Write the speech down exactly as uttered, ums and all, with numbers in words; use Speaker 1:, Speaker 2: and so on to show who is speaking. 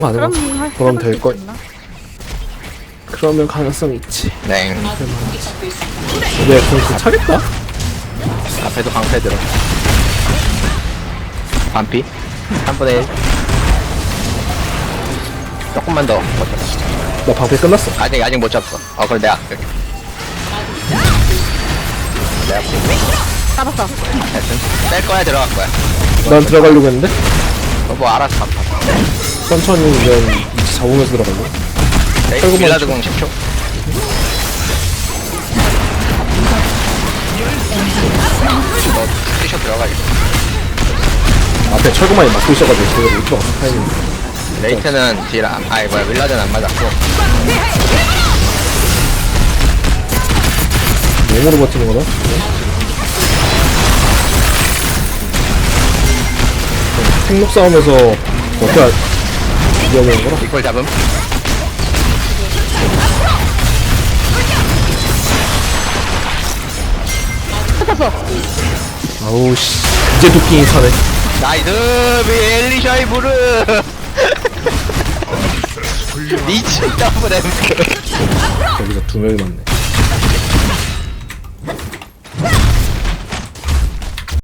Speaker 1: 안 해봐.
Speaker 2: 그럼 할-
Speaker 1: 그럼
Speaker 2: 해볼
Speaker 1: 될
Speaker 2: 수
Speaker 1: 걸.
Speaker 2: 있나?
Speaker 1: 그러면 가능성 있지.
Speaker 3: 네.
Speaker 1: 왜 공수 차겠다?
Speaker 3: 앞에도 방패 들어. 반피. 삼분의 일. 조금만 더 버텨.
Speaker 1: 나 방패 끝났어.
Speaker 3: 아직, 아직 못 잡았어. 어, 그럼 내가. 이렇게. 내가
Speaker 2: 따랐어.
Speaker 3: 하여튼 뺄 거야, 들어갈 거야.
Speaker 1: 난 들어가려고 했는데
Speaker 3: 너 뭐 알아서 갚아.
Speaker 1: 천천히 그냥 위치 잡으면서 들어가려고.
Speaker 3: 레이
Speaker 1: 철거만
Speaker 3: 빌라드 공 십 초. 너 뛰셔 들어가지.
Speaker 1: 앞에 철거만이 막고 있어가지고 제대로 못 들어갔어. 타이밍.
Speaker 3: 레이트는 딜 안, 아이 뭐야 윌라드는 안 맞았고.
Speaker 1: 몸으로 버티는 거다. 생록 싸움에서 어떻게 이겨내는 거라?
Speaker 3: 이걸 잡음.
Speaker 1: 아우 씨. 이제 도끼이 사네.
Speaker 3: 나이스 비엘리샤이 무르. 미친 더블 엠크.
Speaker 1: 여기서 두 명이 맞네.